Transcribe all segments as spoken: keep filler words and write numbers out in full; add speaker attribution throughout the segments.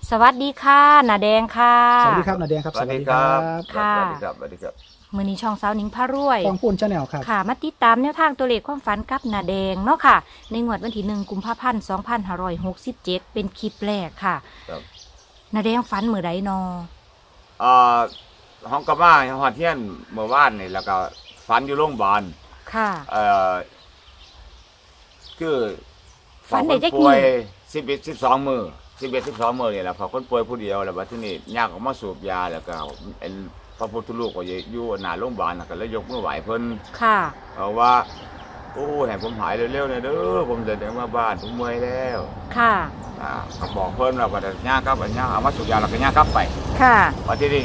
Speaker 1: สวัสดีค่ะนาแดงค่ะ
Speaker 2: สวัสดีครับนาแดงครับ
Speaker 3: สวัสดีครับ
Speaker 1: ค่ะ
Speaker 3: สวัสดีครับสวัสดีครับ
Speaker 1: มือนี้ช่องสาวหนิงพารวย
Speaker 2: กองพูนชาแนลครับ
Speaker 1: ค่ะมาติดตามแนวทางตัวเลขความฝันกับนาแดงเนาะค่ะ ในงวดวันที่หนึ่งกุมภาพันธ์สองพันห้าร้อยหกสิบเจ็ดเป็นคลิปแรกค่ะ
Speaker 3: ครับ
Speaker 1: นาแดงฝันมือใดนอ
Speaker 3: เอ่อห้องกระมาฮอดเทียนเมื่อวานนี่แล้วก็ฝันอยู่โรงพยาบาล
Speaker 1: ค่ะ
Speaker 3: เอ่อคือ
Speaker 1: ฝันได้จัก
Speaker 3: คนป่วย
Speaker 1: กี่
Speaker 3: สิบเอ็ดสิบสองมือสิบเอ็ดสิบสองมือนี่แหละพอคนป่วยผู้เดียวแล้วบัดทีนี้ยากออกมาสูบยาแล้วก็เป็นพระพุทธรูปก็อยู่หน้าโรงพยาบาลน่ะก็เลยยกมือไหว้เพิ่น
Speaker 1: ค่ะ
Speaker 3: เอาว่าโอ้ให้ผมหายเร็วๆหน่อยเด้อผมจะเดินมาบ้านผมเมื่อยแล้ว
Speaker 1: ค่ะ
Speaker 3: อ่าก็บอกเพิ่นว่าก็จะย่างกลับอันย่างเอามาสูบยาแล้วก็ย่างกลับไป
Speaker 1: ค่ะ
Speaker 3: วันที่นี่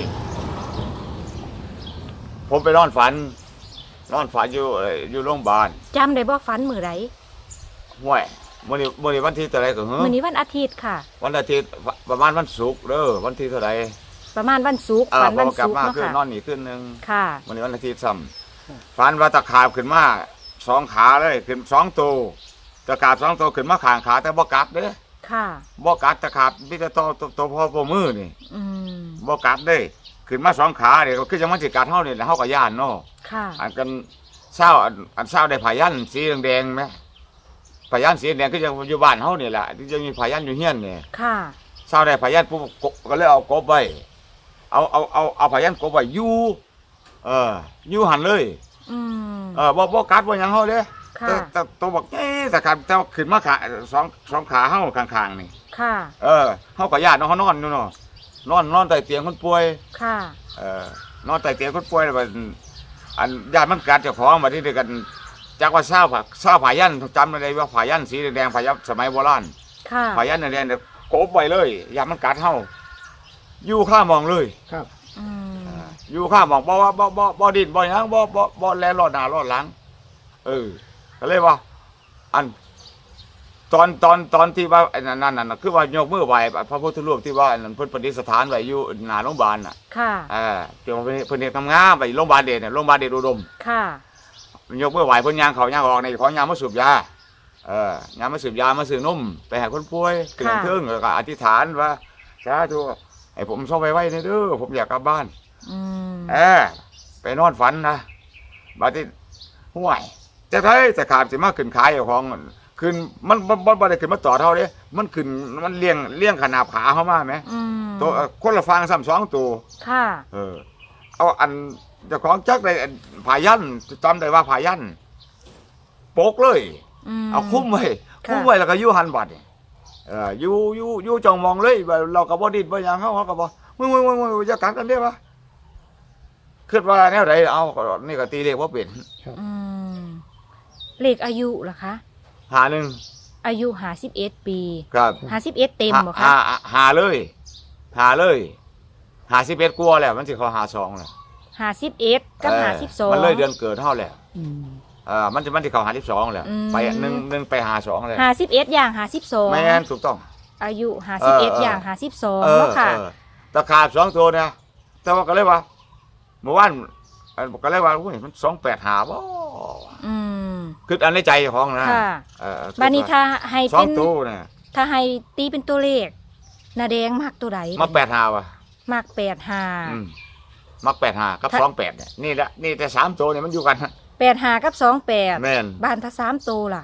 Speaker 3: ผมไปนอนฝันนอนฝันอยู่เอ่ออยู่โรงพยาบาล
Speaker 1: จำได้บ่ฝันมือใด
Speaker 3: ห้วยมื่อนี้มื่อนี้วันที่เท่าไหรก็เฮ้
Speaker 1: มือนี้วันอาทิตย์ค่ะ
Speaker 3: วันอาทิตย์ประมาณวันศุกร์เด้อวันที่เท่าไหร
Speaker 1: ประมาณวันศุกร์
Speaker 3: เออ
Speaker 1: ฝัน
Speaker 3: พ
Speaker 1: วั
Speaker 3: อน กลับ
Speaker 1: ศุกร์
Speaker 3: มา
Speaker 1: เนาะ
Speaker 3: คือน
Speaker 1: ค่ะ
Speaker 3: นอนนี่ขึ้นหนึ่ง
Speaker 1: ค่ะ
Speaker 3: วันนี้วันอาทิตย์ซ้ำฝันว่าตะขาบขึ้นมาสองขาเลยขึ้นสองตัวตะขาบสองตัวขึ้นมาข้างขาแต่บ่กัดเด้อ
Speaker 1: ค่ะ
Speaker 3: บ่กัดตะขาบมีแต่ตัวตัวตัวพ่อพ่อมือนี่
Speaker 1: อืม
Speaker 3: บ่กัดเด้อขึ้นมาสองขาเนี่ยก็คือจังมันสิกัดเฮานี่แหละเฮาก็ย่านเนาะ
Speaker 1: ค่ะ
Speaker 3: อันกันเศร้าอันอันเศร้าได้ผายันสีแดงๆไหมผายันสีแดงก็ยังอยู่บ้านเฮานี่แหละที่จะมีผายันอยู่เฮียนเนี่ย
Speaker 1: ค่ะ
Speaker 3: เศร้าได้ผายันปุ๊บกก็เลยเอากบไว้เอาเอาเอาเอาผายันกบไว้อยู่เอออยู่หันเลย
Speaker 1: อืม
Speaker 3: เออบ่บ่กัดบ่หยังเฮาเด้
Speaker 1: ค่ะ
Speaker 3: แต่แต่ตัวบอกเอ๊ะแต่ขาแต่ว่าขึ้นมาขาสองสองขาเฮาข้างๆนี่
Speaker 1: ค่ะ
Speaker 3: เออเฮาก็ญาติเนาะเฮานอนอยู่เนาะนอนนอนใต้เตียงคนป่วย
Speaker 1: ค่ะ
Speaker 3: เออนอนใต้เตียงคนป่วยแล้วบัดอันญาติมันกัดเจ้าของมาที่เดียวกันจากว่าเศร้าผักเศร้าผายันจำได้ว่าผายันสีแดงผายันสมัยโบราณ
Speaker 1: ค่ะ
Speaker 3: ผายันแดงๆเนี่ยโกบไว้เลยญาติมันกัดเฮาอยู่ข้ามองเลย
Speaker 2: ครับ
Speaker 1: อืม
Speaker 3: อยู่ข้ามองบ่ว่าบ่บ่บ่ดินบ่หยังบ่บ่บ่แลรอดหน้ารอดหลังเออก็เลยว่า อัน ตอนตอนตอนที่ว่าไอ้นั่นนั่นน่ะคือว่ายกมือไหว้พระพุทธรูปที่ว่าอันนั้นเพิ่นประดิษฐานไว้อยู่หน้าโรงพยาบาลน่ะ
Speaker 1: ค่ะ
Speaker 3: เออเดี๋ยวเพิ่นเพิ่นเฮ็ดทำงานไปโรงพยาบาลเดชเนี่ยโรงพยาบาลเดชอุดม
Speaker 1: ค่ะ
Speaker 3: ยกมือไหว้เพิ่นย่างเขาย่างออกในของยามมาสูบยาเออยามมาสูบยามาซื้อนมไปให้คนป่วยถึงเทิงแล้วก็อธิษฐานว่าสาธุให้ผมส่งไปไว้เด้อผมอยากกลับบ้าน
Speaker 1: อืม
Speaker 3: เออไปนอนฝันนะบัดนี้ห่วยจะไทยจะขาดสิมาขึ้นขายเอาของขึ้นมันบ่บ่บ่ได้ขึ้นมาต่อเท่าเด้มันขึ้นมันเลี้ยงเลี้ยงขนาบขาเข้ามาไหม
Speaker 1: อืม
Speaker 3: ตัวคนละฟังซ้ำสองตัว
Speaker 1: ค่ะ
Speaker 3: เออเอาอันเจ้าของจักได้ผายันจำได้ว่าผายันโปกเลย
Speaker 1: อืม
Speaker 3: เอาคุ้มไว้
Speaker 1: ค่ะ
Speaker 3: คุ้มไว้แล้วก็อยู่หันบัดนี่เอออยู่อยู่อยู่จ้องมองเลยว่าเราก็บ่ดิ้นบ่หยังเฮาเฮาก็บ่มึงมึงมึงมึงจะกัดกันได้ปะคิดว่าแนวใดเอาก็นี่ก็ตีเลขบ่เป็น
Speaker 1: อืมเลขอายุล่ะคะ
Speaker 3: หาหนึ่ง
Speaker 1: อายุห้าสิบเอ็ดปี
Speaker 3: ครับ
Speaker 1: ห้าสิบเอ็ดเต็มบ่
Speaker 3: หา
Speaker 1: คะ
Speaker 3: หาหาเลยหาเลยหาสิบเอ็ดกลัวาแล้วมันสิเขาหาสองแล้ว
Speaker 1: ห้าสิบเอ็ดกับ
Speaker 3: เออ
Speaker 1: ห้าสิบสอง
Speaker 3: มันเลยเดือนเกิดเท่าแล้ว
Speaker 2: อืม
Speaker 3: เออมันจะมันสิเขาหาสิบสองแล้ว
Speaker 1: อืม
Speaker 3: ไปหนึ่งหนึ่งไปหาสองแล้ว
Speaker 1: ห้าสิบเอ็ดอย่างห้าสิบสอง
Speaker 3: แม่นถูกต้อง
Speaker 1: อายุห้าสิบเอ็ด
Speaker 3: เออเออ
Speaker 1: อย่างห้าสิบสอง
Speaker 3: เออ
Speaker 1: เนาะค่ะ
Speaker 3: เออตะขาบสองตัวเนี่ยแต่ว่าก็เลยว่าเมื่อวานอันก็เลยว่าอุ้ยมันสองแปดหาบ่
Speaker 1: อืม
Speaker 3: คืออันในใจของนะ
Speaker 1: ค่ะ
Speaker 3: เออ
Speaker 1: บานี้ถ้าให้
Speaker 3: สอ
Speaker 1: เป็
Speaker 3: ง
Speaker 1: น
Speaker 3: ตัวเนี่ย
Speaker 1: ถ้าให้ตีเป็นตัวเลขนาแดงมักตัวใด
Speaker 3: มักแปดหาวะ
Speaker 1: มักแปดห้า
Speaker 3: อืมมักแปดหากับ
Speaker 1: ถ้า
Speaker 3: สองแปดเนี่ยนี่แหละนี่แต่สามตัวเนี่ยมันอยู่กัน
Speaker 1: แปดห้ากับสองแปด
Speaker 3: แม่น
Speaker 1: บานถ้าสามตัวล่ะ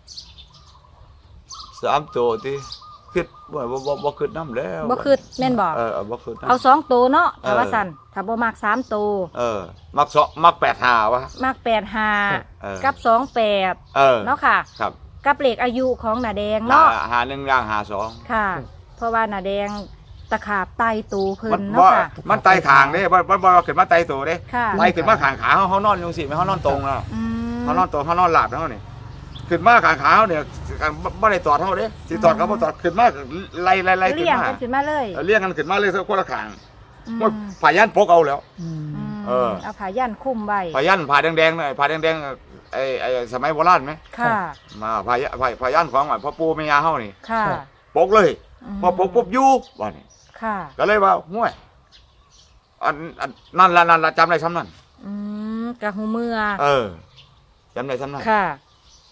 Speaker 3: สามตัวที่คิดบ่บ่บ่บ่คิดน้ำแล้ว
Speaker 1: บ่คือแม่นบอก
Speaker 3: เออเออบ่คิดน้ำ
Speaker 1: เอาสองตัวเนาะถ้าว่า
Speaker 3: เออ
Speaker 1: สั่นถ้าบ่มักสามตัว
Speaker 3: เออ มักสองมักแปดหาวะ
Speaker 1: มักแปดห้า
Speaker 3: เออ
Speaker 1: กับสองแปด
Speaker 3: เออ
Speaker 1: เนาะค่ะ
Speaker 3: ครับ
Speaker 1: กับเลขอายุของนาแดง
Speaker 3: หา
Speaker 1: เนาะ
Speaker 3: หาหนึ่งย่างหาสอง
Speaker 1: ค่ะ เพราะว่านาแดงตะขาบไตตูเพิ่
Speaker 3: มัน น
Speaker 1: เนาะ
Speaker 3: บ่
Speaker 1: ค่ะ
Speaker 3: มันไตขางเด้บ่บ่บ่ขึ้นมาไตตัวเด้
Speaker 1: ค่ะ
Speaker 3: ไตขึ้นมาขางขาเฮาเฮานอนอยู่สิแม่เฮานอนตรงแล้ว
Speaker 1: อืม
Speaker 3: เฮานอนตรงเฮานอนหลับเฮานี่ขึ้นมาขางขาเฮาเนี่ยบ่บ่ได้ตอดเฮาเด้สิตอดก็บ่ตอดขึ้นมาไล่ไล่ไล่ขึ้น
Speaker 1: เลี้ยง
Speaker 3: มา
Speaker 1: กันขึ้นมาเลย
Speaker 3: เออเลี้ยงกันขึ้นมาเลยคนละขาง
Speaker 1: อืม
Speaker 3: มันผายันปกเอาแล้ว
Speaker 2: อืม
Speaker 1: อืม
Speaker 3: เออ
Speaker 1: เอาผ้ายันคลุมไว้
Speaker 3: ผายันผาแดงๆน่ะผาแดงๆไอ้ไอ้สมัยโบราณไหม
Speaker 1: ค่ะ
Speaker 3: มาผายันผาผายันของพ่อปู่แม่ย่าเฮานี่
Speaker 1: ค่ะ
Speaker 3: ปกเลย
Speaker 1: ม
Speaker 3: พอปกปุ๊บอยู่ว่านี่
Speaker 1: ค่ะ
Speaker 3: ก็เลยว่าห่วยอันอันนั่นละนั่นละจำได้ซ้ำนั่น
Speaker 1: อืมกะหูเมื่อ
Speaker 3: เออจำได้ซ้ำนั่น
Speaker 1: ค่ะ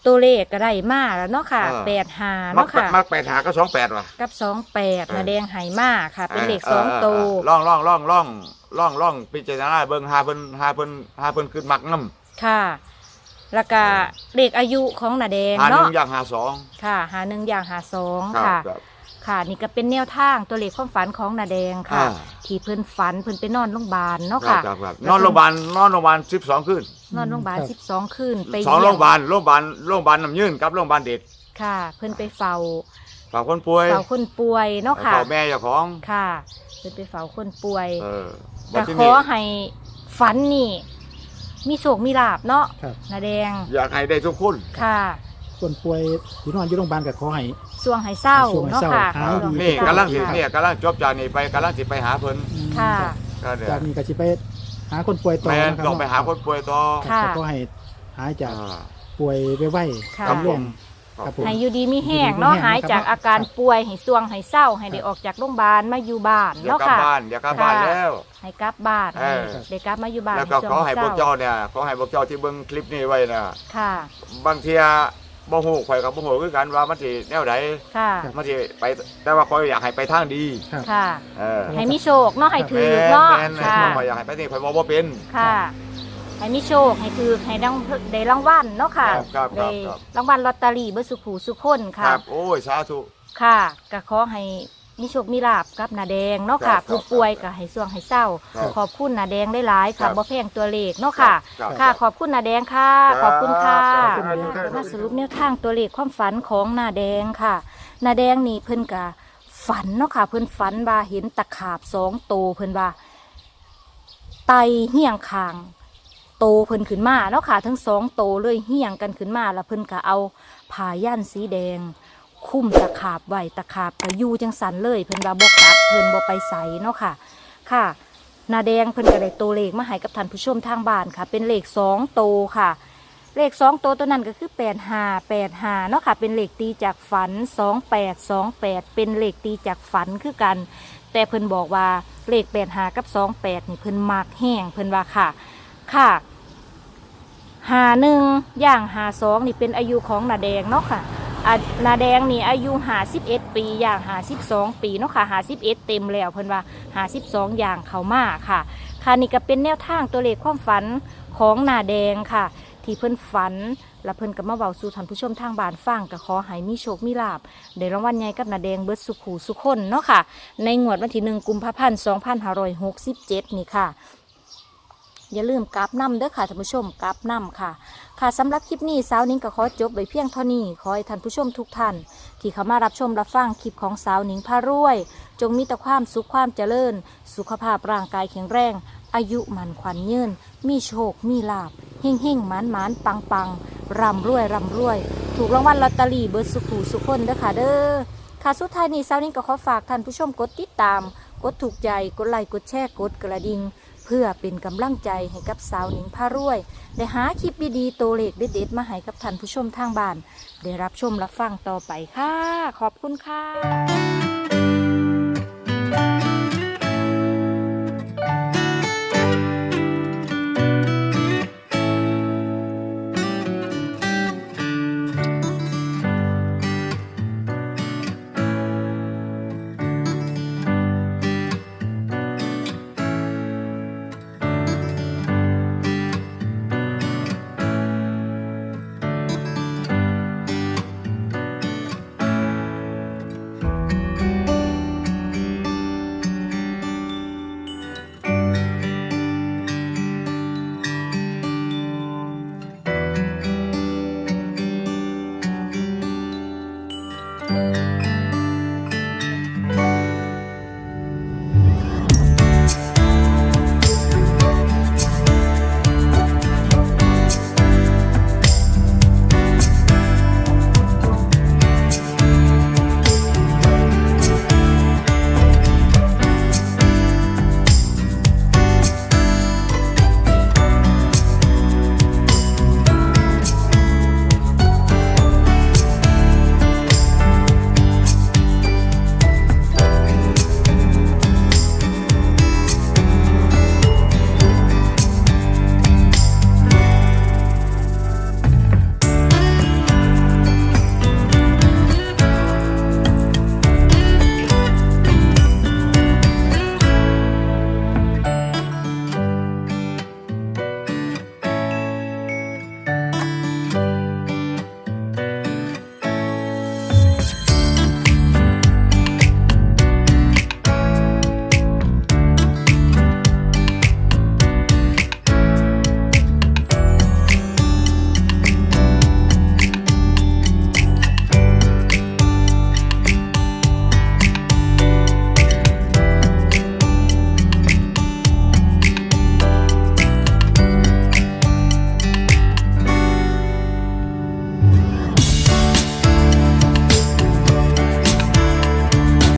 Speaker 1: ตัวเลขก็ได้มาแล้วเนาะค่ะ
Speaker 3: เออ
Speaker 1: แปดห้า
Speaker 3: มัก
Speaker 1: เนาะค่ะ
Speaker 3: มักแปดหาก็สองแปดว่ะ
Speaker 1: กับสองแปด
Speaker 3: เออ
Speaker 1: นาแดงไหมาค่ะ เป็นเลขสองตัว
Speaker 3: เล่องล่องล่องล่องล่องล่องพิจารณาเบิ่งหาเพิ่นหาเพิ่นหาเพิ่นขึ้นมักน้ำ
Speaker 1: ค่ะ แล้วก็เลขอายุของนาแดง
Speaker 3: หาหนึ่
Speaker 1: เนาะ
Speaker 3: งอย่างหาสอง
Speaker 1: ค่ะ หาหนึ่งอย่างหาสอง
Speaker 3: ครับ
Speaker 1: ค่ะ
Speaker 3: ครับ
Speaker 1: ค่ะ นี่ก็เป็นแนวทางตัวเลขความฝันของนาแดงค่ะ
Speaker 3: อ่า
Speaker 1: ที่เพิ่นฝันเพิ่นไปนอนโรงพยาบาลเนาะ
Speaker 3: ครั
Speaker 1: ค่ะ
Speaker 3: บครับครับ
Speaker 1: แล้ว
Speaker 3: นอนโรงพยาบาลนอนโรงพยาบาลสิบสองคืน
Speaker 1: นอนโรงพยาบาล
Speaker 2: ครับ
Speaker 1: สิบสองคืนไป
Speaker 3: สองโรงพยาบา
Speaker 1: เยี่ยม
Speaker 3: ลโรงพยาบาลโรงพยาบาลน้ำยืนกับโรงพยาบาลเด็ก
Speaker 1: ค่ะ เพิ่นไปเฝ้า
Speaker 3: ฝากคนป่วย
Speaker 1: เฝ้าคนป่วยเนาะค่ะ
Speaker 3: ฝากแม่เจ้าของ
Speaker 1: ค่ะ เพิ่นไปเฝ้าคนป่วย
Speaker 3: เออ
Speaker 1: ก็
Speaker 3: ที่
Speaker 1: ข
Speaker 3: นี่
Speaker 1: อให้ฝันนี่ มีโชคมีลาบเนาะ
Speaker 2: ครับ
Speaker 1: นาแดง
Speaker 3: อยากให้ได้ทุกคน
Speaker 1: ค่ะ
Speaker 2: คนป่วยที่นอนอยู่โรงพยาบาลก็ขอให้
Speaker 1: สวงให้เศร้า
Speaker 2: สวงให้
Speaker 1: เนาะ
Speaker 2: เศร้า
Speaker 1: ค่ะ
Speaker 2: หายดี
Speaker 3: นี่
Speaker 1: สวงให้
Speaker 3: กำลัง
Speaker 1: เศ
Speaker 3: สิ
Speaker 1: ร้า
Speaker 3: เนี่ยกำลังจบจากนี่ไปกำลังสิไปหาเพิ่น
Speaker 2: อืม
Speaker 1: ค่ะ
Speaker 3: ก็เดี๋ยว
Speaker 2: จากนี้ก็สิไปหาคนป่วยต่อ
Speaker 3: แม่น
Speaker 2: นะครับ
Speaker 3: ต้องไปหาคนป่วยต่อ
Speaker 1: ค่ะ
Speaker 2: ก็ขอให้หายจาก
Speaker 3: อ่า
Speaker 2: ป่วยไว
Speaker 1: ค่ะ
Speaker 2: ๆกับเรื่อง
Speaker 3: ครับ
Speaker 2: ครับผม
Speaker 1: ให้อยู่ดีมีแห้งเนาะ
Speaker 2: อยู่ดีมีแห้ง
Speaker 1: หายจาก
Speaker 2: นะครับ
Speaker 1: อาการป่วยให้สวงให้เศร้าให้ได้ออกจากโรงพยาบาลมาอยู่บ้าน
Speaker 3: เดี๋ยว
Speaker 1: เนาะ
Speaker 3: กลับ
Speaker 1: ค่ะ
Speaker 3: บ้านเดี๋ยวกลับบ้าน
Speaker 1: ค่ะ
Speaker 3: แล้ว
Speaker 1: ให้กลับบ้าน
Speaker 3: เออ
Speaker 1: ได้กลับมาอยู่บ้าน
Speaker 3: แล้วก็
Speaker 1: ส
Speaker 3: ขอ
Speaker 1: วง
Speaker 3: ให้
Speaker 1: เศ
Speaker 3: พว
Speaker 1: ร้าก
Speaker 3: เจ้าเนี่ยขอให้พวกเจ้าที่เบิ่งคลิปนี้ไว้นะ
Speaker 1: ค่ะ
Speaker 3: บางเทียบ่ฮู้ข่อยกับบ่ฮู้คือกันว่ามันสิแนวใด
Speaker 1: ค่ะ
Speaker 3: มันสิไปแต่ว่าข่อยอยากให้ไปทางดี
Speaker 2: ครับ
Speaker 1: ค่ะ
Speaker 3: เออ
Speaker 1: ให้มีโชคเนาะให้ถือ
Speaker 3: แม่น
Speaker 1: เนาะ
Speaker 3: แม่น
Speaker 1: ค่ะ
Speaker 3: ข่อยอยากให้ไปนี่ข่อยบ่บ่เป็น
Speaker 1: ค่ะ ให้มีโชคให้ถือให้ดังได้รางวัลเนาะค่ะ
Speaker 3: ครับครับค
Speaker 1: ได้
Speaker 3: รับครับ
Speaker 1: รางวัลลอตเตอรี่เบอร์สุขูสุขคน
Speaker 3: ค
Speaker 1: ค่ะ
Speaker 3: รับโอ้ยสาธุ
Speaker 1: ค่ะก็ขอให้มีโชคมีลาบกับนาแดงเนาะค่ะ
Speaker 3: ครับ
Speaker 1: ผู้ป่วยก็ให้สวงให้เศร้า
Speaker 3: ครับ
Speaker 1: ขอบคุณนาแดงได้หลายๆ
Speaker 3: ครั
Speaker 1: ค่ะ
Speaker 3: บ
Speaker 1: บ่แพงตัวเลขเนาะค่ะ
Speaker 3: ครับ
Speaker 1: ค่ะ ขอบคุณนาแดงค่ะ
Speaker 3: ครับ
Speaker 1: ขอบคุณค่ะ
Speaker 3: ขอบคุณนาแดงครับ
Speaker 1: มาสรุปแนวทางตัวเลขความฝันของนาแดงค่ะนาแดงนี่เพิ่นก็ฝันเนาะค่ะ เพิ่นฝันว่าเห็นตะขาบสองโตวเพิ่นว่า ไตเหี่ยงคาง โตเพิ่นขึ้นมาเนาะค่ะ ทั้งสองโตเลยเหี่ยงกันขึ้นมาแล้วเพิ่นก็เอาผ้าย่านสีแดง คุ้มตะขาบไว้ตะขาบก็อยู่จังสันเลย เพิ่นว่าบ่กัดเพิ่นบ่ไปใสเนาะค่ะ ค่ะนาแดงเพิ่นก็ได้ตัวเลขมาให้กับท่านผู้ชมทางบ้านค่ะ เป็นเลขสองโตวค่ะ เลขสองโตวตัวนั้นก็คือแปดห้าแปดห้าเนาะค่ะ เป็นเลขตีจากฝันสองแปดสองแปดเป็นเลขตีจากฝันคือกัน แต่เพิ่นบอกว่าเลขแปดห้ากับสองแปดนี่เพิ่นมักแห้งเพิ่นว่าค่ะ ค่ะหาหนึ่งอย่างหาสองนี่เป็นอายุของนาแดงเนาะค่ะอ่ะนาแดงนี่อายุหาสิบเอ็ดปีอย่างหาสิบสองปีเนาะค่ะหาสิบเอ็ดเต็มแล้วเพิ่นว่าหาสิบสองอย่างเขามาค่ะ ค่ะนี่ก็เป็นแนวทางตัวเลขความฝันของนาแดงค่ะ ที่เพิ่นฝันและเพิ่นก็มาเว้าสู่ท่านผู้ชมทางบ้านฟังก็ขอให้มีโชคมีลาภได้รางวัลใหญ่กับนาแดงเบิดสุขหูสุขคนเนาะค่ะ ในงวดวันที่หนึ่งกุมภาพันธ์สองพันห้าร้อยหกสิบเจ็ดนี่ค่ะ อย่าลืมกราบน้ำเด้อค่ะท่านผู้ชมกราบน้ำค่ะ ค่ะสำหรับคลิปนี้สาวนิ้งก็ขอจบไว้เพียงเท่านี้ขอให้ท่านผู้ชมทุกท่าน ที่เข้ามารับชมรับฟังคลิปของสาวนิ้งพารวย จงมีแต่ความสุขความเจริญ สุขภาพร่างกายแข็งแรง อายุมันขวัญยืนมีโชคมีลาภเฮ่งเฮ่งหมานหมานปังปังร่ำรวยร่ำรวย ถูกรางวัลลอตเตอรี่เบิร์ดสุขหูสุขคนเด้อค่ะเด้อค่ะสุดท้ายนี้สาวนิ้งก็ขอฝากท่านผู้ชมกดติดตาม กดถูกใจกดไลค์กดแชร์กดกระดิ่งเพื่อเป็นกำลังใจให้กับสาวหนิงพารวยได้หาคลิปดีๆตัวเลขเด็ดๆมาให้กับท่านผู้ชมทางบ้านได้รับชมรับฟังต่อไปค่ะ ขอบคุณค่ะ